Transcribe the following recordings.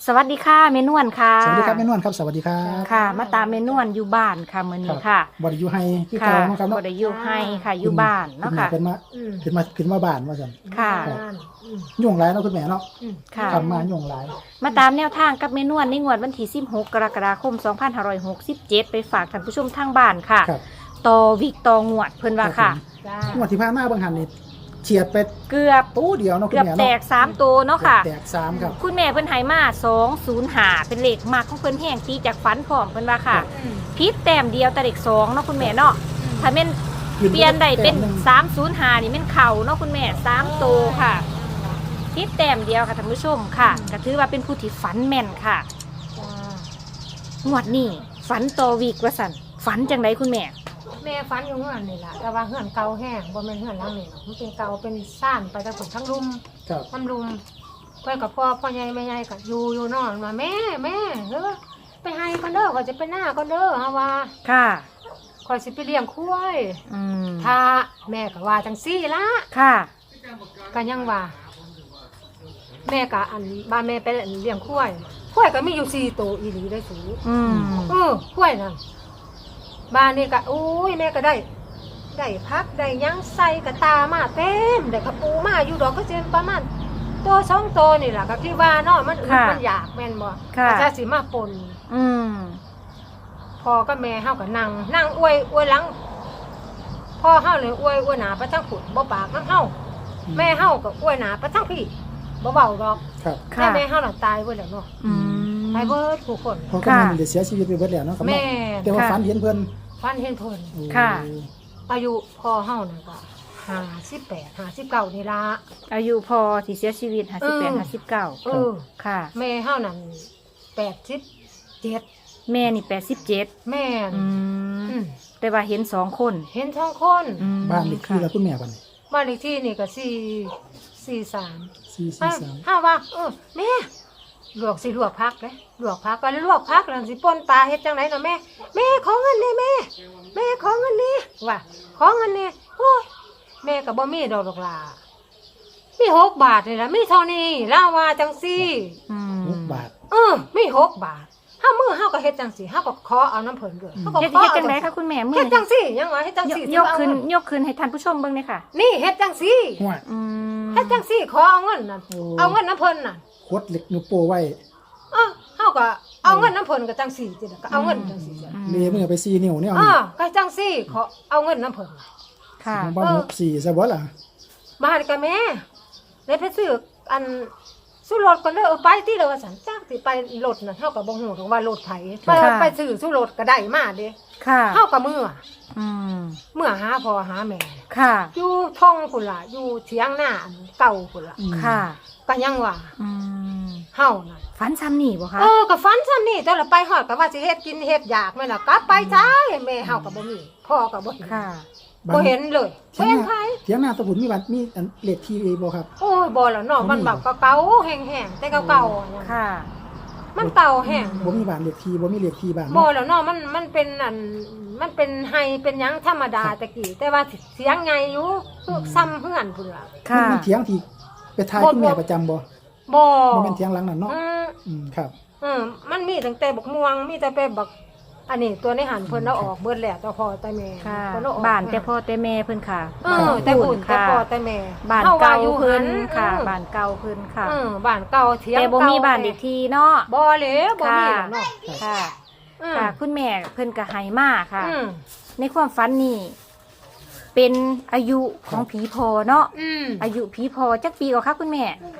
สวัสดีค่ะเมนวนค่ะสวัสดีครับแม่นวลครับสวัสดีครับค่ะ มาตามเมนวนอยู่บ้านค่ะมื้อนี้ค่ะบริยูไฮที่ค่ะเก่าเนาะครับบ่เนาะได้อยู่ให้ค่ะอยู่บ้านเนาะค่ะขึ้นมาบ้านว่าซั่นค่ะยุ่งหลายเนาะคุณแม่เนาะค่ะทำมายุ่งหลายมาตามแนวทางกับเมนวนในงวดวันที่16กรกฎาคม2567ไปฝากท่านผู้ชมทางบ้านค่ะครับต่อวิกต่องวดเพิ่นว่าค่ะงวดที่ผ่านมาบางหันนี่เฉียดไปเกือบตู้เดียวเนาะคุเกืณอบแม่แตเนาะก3ตัวเนาะค่ะแตก3ครับคุณแม่เพิ่นให้มา205เป็นเลขมากของเพิ่นแห้งตีจากฝันพร้อมเพิ่นว่าค่ะพิษแต้มเดียวแต่เลข2เนาะคุณแม่เนาะถ้าแม่น เปลี่ยนได้เป็น305นี่แม่นเข่าเนาะคุณแม่3ตัวค่ะพิษแต้มเดียวค่ะท่านผู้ชมค่ะก็ถือว่าเป็นผู้ที่ฝันแม่นค่ะงวดนี้ฝันต่อวีกว่าสั่นฝันจังไดคุณแม่แม่ฝันอยู่เฮือนนี่แหละแต่ว่าเฮือนเก่าแห้งบ่แม่นเฮือนหลังนี่หรอกมันเป็นเก่าเป็นซ่านไปทั้งทั้งรุมครับทั้งรุมเพื่อนกับพ่อใหญ่แม่ใหญ่ก็อยู่นอนมาแม่เฮ้อไปให้ก่อนเด้อก็จะไปหน้าก่อนเด้อเฮาว่าค่ะข่อยสิไปเลี้ยงควายอืมถ้าแม่ก็ว่าจังซี่ละค่ะก็ยังว่า แม่ก็อันบ้านแม่ไปเลี้ยงควายก็มีอยู่4ตัวอีหลีได้สูอืมควายนั่นบ้านนี่ก็โอ้ยแม่ก็ได้พักได้หยังใส่กระตามาเต็มได้กระปูมาอยู่ดอกก็เจนประมาณตัว2ตัวนี่แหละก็ที่ว่าเนาะมันอึดมันอยากแม่นบ่ค่ะอาจจะสิมาปนอืมพ่อกับแม่เฮาก็นั่งอวยหลังพ่อเฮาเลยอวยหน้าไปทางฝุ่นบ่ปากนำเฮาแม่เฮาก็อวยหน้าไปทางพี่บ่เบาดอกครับค่ะแม่เฮาน่ะตายเบิดแล้วเนาะอืมตายเบิดทุกคนเพราะก็มันได้เสียชีวิตไปเบิดแล้วเนาะครับแม่เนาะแต่ว่าฝันเห็นเพิ่นฟันเห็นเพิ่นโอ้ค่ะอายุพ่อเฮานั่นก็58 59นี่ล่ะอายุพอที่เสียชีวิต58 59 เออค่ะแม่เฮานั่น87 แม่นี่87 แม่นอือืมมแต่ว่าเห็น2คนเห็นท้องคนอืมบ้านเลขที่แล้วคุณแม่บัดนี้บ้านเลขที่นี่ก็443 443 ถ้าว่าแม่ลวกพักเด้ลวกพักก็ลวกพักแล้วสิป่นปลาเฮ็ดจังไดเนาะแม่ขอเงินนี่แม่ขอเงินนี่ว่าขอเงินนี่โอ้ยแม่ก็บ่มีดอกล่ะมี6 บาทนี่ล่ะมีเท่านี้ลาว่าจังซี่อืม 6 บาทมี6 บาทเฮามือเฮาก็เฮ็ดจังซี่เฮาก็ขอเอาน้ำเพิ่นด้วยเฮาก็เฮ็ดขอเฮ็ดเอาจังไดคะคุณแม่มื้เฮ็อดจังซี่ยังว่าเฮ็ดจังซี่ยกขึ้นให้ท่านผู้ชมเบิ่งเลยค่ะนี่เฮ็ดจังซี่ห้วยอืมเฮ็ดจังซี่ขอเอาเงินน่ะโอ้เอาเงินน้ำเพิ่นน่ะคดเหล็กนิ้วโป้ไว้เฮาก็เอาเงินน้ำเพิ่นก็จังซี่จิก็เอาเงินจังซี่จ้ะเลมือไป4นิ้วเนี่ยเอาก็จังซี่ขอเอาเงินน้ำเพิ่นค่ะของบ้าน64ซะบ่ล่ะมาหากันแม่เลยไปซื้ออันสู้รถก่อนเด้อไปที่เด้อว่าซั่นจักสิไปรถน่ะเฮาก็บ่ฮู้ดอกว่ารถไผไปซื้อสู้รถก็ได้มาเด้ค่ะเฮาก็เมื่ออืมหาพ่อหาแม่ค่ะอยู่ท้องพุ่นล่ะอยู่เถียงหน้าอันเก่าพุ่นล่ะค่ะก็ยังว่าอืมเฮาน่ะฝันซ้ำนี่บ่คะก็ฝันซ้ำนี่แต่ละไปฮอดก็ว่าสิเฮ็ดกินเฮ็ดอยากแม่นล่ะกลับไปจ้าแม่เฮาก็บ่มีพ่อก็บ่เห็นค่ะบ่เห็นเลยบ่เห็นไผเถียงนาตะบุญมีบัตรมีอันเลขที่บ่ครับโอ้ยบ่แล้วเนาะมันแบบเก่าๆแห้งๆแต่เก่าๆอะนะค่ะมันเก่าแห้งบ่มีบ้านเลขที่บ่มีเลขที่บ้านบ่เนาะแล้วเนาะมันเป็นอันมันเป็นไฮเป็นหยังธรรมดาตะกี้แต่ว่าเสียงไงอยู่คือซ้ำเพื่อนพุ่นล่ะค่ะมันเถียงที่ไปทายคุณแม่ประจำบ่บ่บ่แม่นเถียงหลังนั่นเนาะ ครับมันมีตั้งแต่บักม่วงมีแต่ไปบักอันนี้ตัวในหันเพิ่นเอาออกเบิดแล้วแต่พอแต่แม่ค่ะเพิ่นเอาออกบ้านแต่พ่อแต่แม่เพิ่นค่ะแต่หุ่นแต่ค่ะพอแต่แม่บ้านฮว่เก่าอยู่เพิ่นหัค่ะ บ้านเก่าเพิ่นค่ะบ้านเก่าเถียงแต่บ่เก่มีบ้านเด็กทีเนาะบ่เลยบ่มีแล้วเนาะค่ะอืมค่ะ คุณแม่เพิ่นก็ให้มาค่ะอืมในความฝันนี่เป็นอายุของผีพอเนาะอืมอายุผีพอจักปีกว่าคะคุณแม่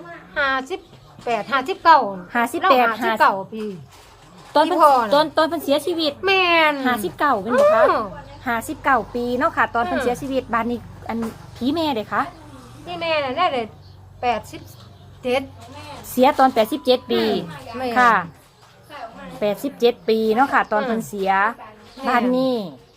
58 59 58 ปีตอนเพิ่นผีพอน่ะตอนเพิ่นเสียชีวิตแม่น 59เป็นบ่คะ59 ปีเนาะค่ะ ตอนเพิ่นเสียชีวิตบ้านนี้อันผีแม่เด้คะนี่แม่น่ะได้เลย87 เสียตอน87 ปีแม่ค่ะ87 ปีเนาะค่ะ ตอนเพิ่นเสียแม่บ้านนี้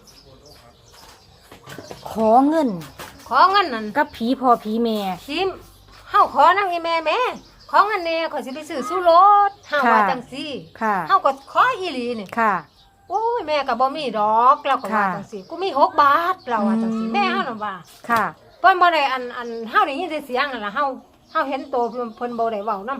ขอเงินขอเงินนั่นกับผีพ่อผีแม่ชิมเฮาขอนั่งอีแม่แม่ขอเงินแน่ขอยสิไปซื้อสู้รถเฮาว่าจังซี่ค่ะเฮาก็ขออีหลีนี่ค่ะโอ้ยแม่ก็บ่มีดอกเราก็ว่าค่ะจังซี่กูมี6 บาทเราว่าจังซี่อืมแม่เฮาน่ะว่าค่ะเพิ่นบ่ได้อันเฮาได้ยินแต่เสียงนั่นล่ะเฮาเห็นโตเพิ่นบ่ได้เว้านำ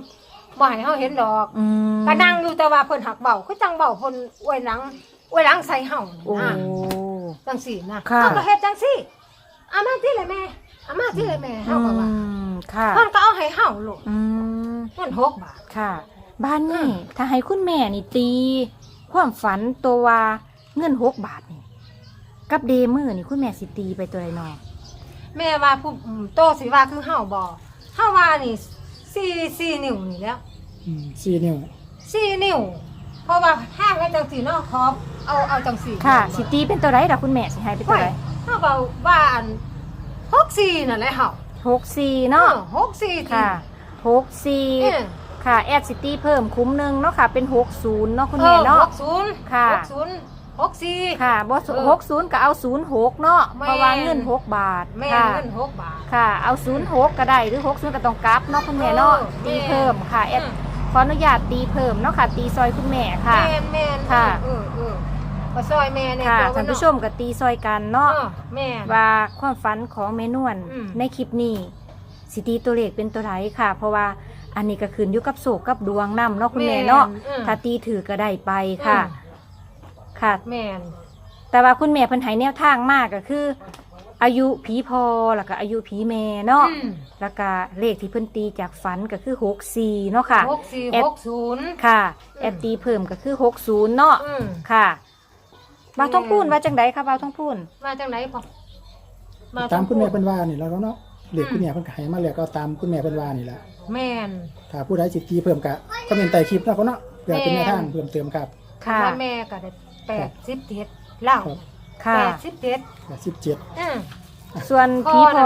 บ่ให้เฮาเห็นดอกอืมก็นั่งอยู่แต่ว่าเพิ่นหักเบาคือจังเบาเพิ่นอวยหลังใส่เฮาโอ้นะจังซี่นะค่ะเฮาก็เฮ็ดจังซี่เอามาที่เลยแม่เอามาที่เลยแม่เฮาก็ว่าค่ะเพิ่นก็เอาให้เฮาลูกอืมเงิน6 บาทค่ะ บ้านนี่ถ้าให้คุณแม่นี่ตีความฝันตัวว่าเงิน6 บาทนี่กับเดมือนี่คุณแม่สิตีไปตัวใดนอแม่ว่าผู้โตสิว่าคือเฮาบ่เฮาว่านี่4นิ้วนี่แล้ว 4 นิ้ว 4นิ้วเพราะว่าห้างให้จังซี่เนาะขอเอาจังซี่ค่ะสิตีเป็นตัวใดล่ะคุณแม่สิให้เป็นตัวใดเฮาว่าอัน64นั่นแหละเฮา 64เนาะ 64 ค่ะเออ 64ค่ะแอดซิตี้เพิ่มคุ้มหนึงเนาะค่ะเป็น60เนาะคุณแม่เนาะ 60 ค่ะ 60 64 ค่ะบ่เออ 60ก็เอา06เนาะแม่นเพราะว่าเงิน6 บาทแม่ค่ะเงิน6 บาทค่ะเอา06ก็ได้หรือ60ก็ต้องกลับเนาะคุณแม่เนาะเออตีเพิ่มค่ะแอดขออนุญาตตีเพิ่มเนาะค่ะ ตีซอยคุณแม่ค่ะแม่นค่ะก็ซอยแม่เนี่ยค่ะตัวท่านผู้ชมก็ตีซอยกันเนาะแม่นว่าความฝันของแม่นวลอืมในคลิปนี้สิตีตัวเลขเป็นตัวไหนค่ะ เพราะว่าอันนี้ก็ขึ้นอยู่กับโศกกับดวงนำเนาะคุณแม่เนาะถ้าตีถือก็ได้ไปค่ะ ค่ะแม่นแต่ว่าคุณแม่เพิ่นให้แนวทางมากก็คือ อายุผีพอแล้วก็อายุผีแม่เนาะอืมแล้วก็เลขที่เพิ่นตีจากฝันก็คือ64เนาะค่ะ 64 แอด 60 ค่ะแอดตีเพิ่มก็คือ60เนาะอืมค่ะบ่าวต้องพูนว่าจังไดคะบ่าวต้องพูนมาจากไหนพอตามคุณแม่เพิ่นว่านี่แล้วเนาะเลขคุณแม่เพิ่นก็ให้มาแล้วก็ตามคุณแม่เพิ่นว่านี่แหละแม่นถ้าผู้ใดสิตีเพิ่มก็คอมเมนต์ใต้คลิปเนาะเขาเนาะเพื่อเป็นแนวทางเพิ่มเติมครับค่ะว่าแม่ก็ได้87เล่าครับค่ะ 87 17 อืมส่วนผีพอ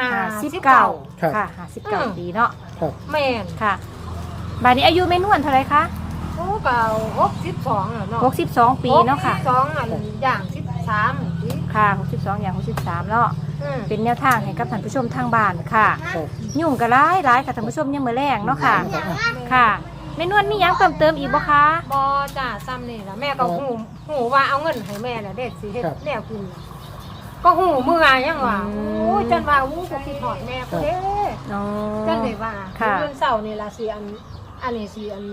59 ครับค่ะ59ปีเนาะครับแม่นค่ะบัดนี้อายุแม่นวลเท่าไหร่คะโอ้เก่า62แล้วเนาะ 62ปีเนาะค่ะ 62อันอย่าง13นี่ค่ะ62อย่าง63เนาะอืมเป็นแนวทางให้กับท่านผู้ชมทางบ้านค่ะครับยุ่งก็หลายค่ะท่านผู้ชมยังมื้อแรงเนาะค่ะครับอ่ะค่ะแม่นวลมีหยังเติมเติมอีกบ่คะบ่จ้าซ้ำนี่ล่ะแม่ก็หูว่าเอาเงินให้แม่น่ะเด็ดสิเฮ็ดแนวกินก็หูเมื่อยังว่าโอ้ยจนว่าอู้ก็คิดฮอดแม่พุ่นเด้อ๋อจนได้ว่าค่ะเงินเช้านี่ล่ะสิอันนี้สิอัน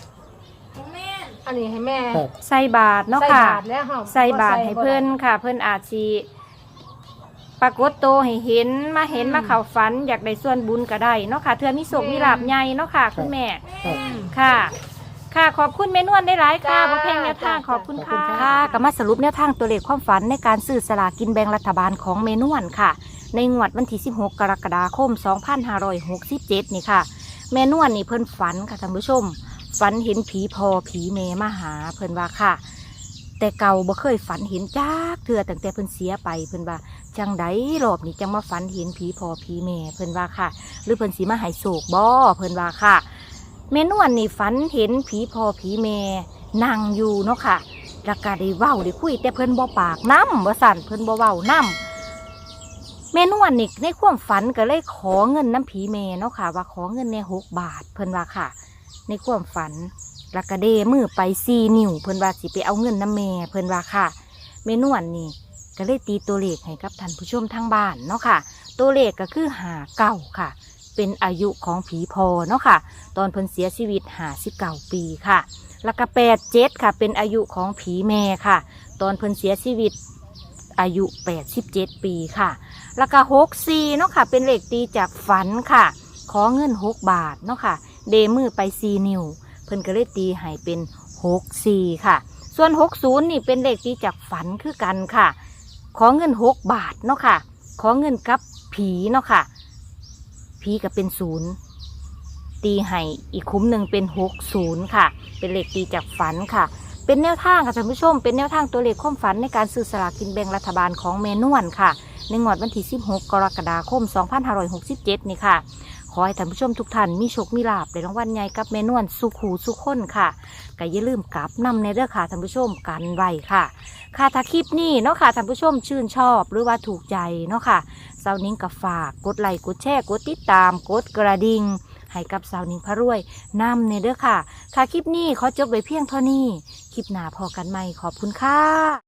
นี้ให้แม่ครับใส่บาทเนาะใส่ค่ะบาทแล้วเฮาใส่บาทให้เพิ่นค่ะ เพิ่นอาจสิปรากฏโตวให้เห็นมาเข้าฝันอยากได้ส่วนบุญก็ได้เนาะค่ะเทื่อมีโศกมีลาภใหญ่เนาะค่ะ คุณแม่ครับค่ะ ค่ะ ขอบคุณแม่นวลได้หลายค่ะบ่แพงแนวทางขอบคุณค่ะค่ะก็มาสรุปแนวทางตัวเลขความฝันในการซื้อสลากกินแบ่งรัฐบาลของแม่นวลค่ะ ในงวดวันที่16 กรกฎาคม 2567 นี่ค่ะ แม่นวลนี่เพิ่นฝันค่ะท่านผู้ชม ฝันเห็นผีพอผีแม่มาหาเพิ่นว่าค่ะ แต่เก่าบ่เคยฝันเห็นจักเทื่อตั้งแต่เพิ่นเสียไปเพิ่นว่าจังไดรอบนี้จังมาฝันเห็นผีพอผีแม่เพิ่นว่าค่ะ หรือเพิ่นสิมาให้โศกบ่เพิ่นว่าค่ะแม่นวลนี่ฝันเห็นผีพอผีแม่นั่งอยู่เนาะค่ะแล้วก็ได้เว้าได้คุยแต่เพิ่นบ่ปากนำว่าสั่นเพิ่นบ่เว้านำแม่นวลนี่ในความฝันก็เลยขอเงินน้ำผีแม่เนาะค่ะ ว่าขอเงินแน่6 บาทเพิ่นว่าค่ะ ในความฝันแล้วก็เดมือไป4 นิ้วเพิ่นว่าสิไปเอาเงินน้ำแม่เพิ่นว่าค่ะแม่นวลนี่ก็เลยตีตัวเลขให้กับท่านผู้ชมทางบ้านเนาะค่ะ ตัวเลขก็คือ59ค่ะ เป็นอายุของผีพอเนาะค่ะ ตอนเพิ่นเสียชีวิต59 ปีค่ะ แล้วก็87ค่ะ เป็นอายุของผีแม่ค่ะ ตอนเพิ่นเสียชีวิตอายุ87 ปีค่ะ แล้วก็64เนาะค่ะ เป็นเลขตีจากฝันค่ะ ขอเงิน6 บาทเนาะค่ะ เดมือไป4 นิ้วเพิ่นก็เลยตีให้เป็น64ค่ะ ส่วน60นี่เป็นเลขตีจากฝันคือกันค่ะ ขอเงิน6 บาทเนาะค่ะ ขอเงินกับผีเนาะค่ะ ผีก็เป็น0ตีให้อีกคุ้มหนึ่งเป็น60ค่ะ เป็นเลขตีจากฝันค่ะ เป็นแนวทางค่ะท่านผู้ชม เป็นแนวทางตัวเลขความฝันในการซื้อสลากกินแบ่งรัฐบาลของแม่นวลค่ะ ในงวดวันที่16 กรกฎาคม 2567 นี่ค่ะ ขอให้ท่านผู้ชมทุกท่านมีโชคมีลาภในรางวัลใหญ่กับแม่นวลสุขูสุขคนค่ะก็อย่าลืมกลับนำในเรื่องค่ะท่านผู้ชมกันไว้ค่ะ ค่ะถ้าคลิปนี้เนาะค่ะท่านผู้ชมชื่นชอบหรือว่าถูกใจเนาะค่ะสาวนิ้งกับฝากกดไลค์กดแชร์กดติดตามกดกระดิ่งให้กับสาวนิ้งพระรวยนำในเรื่องค่ะค่ะคลิปนี้ขอจบไว้เพียงเท่านี้คลิปหน้าพอกันใหม่ขอบคุณค่ะ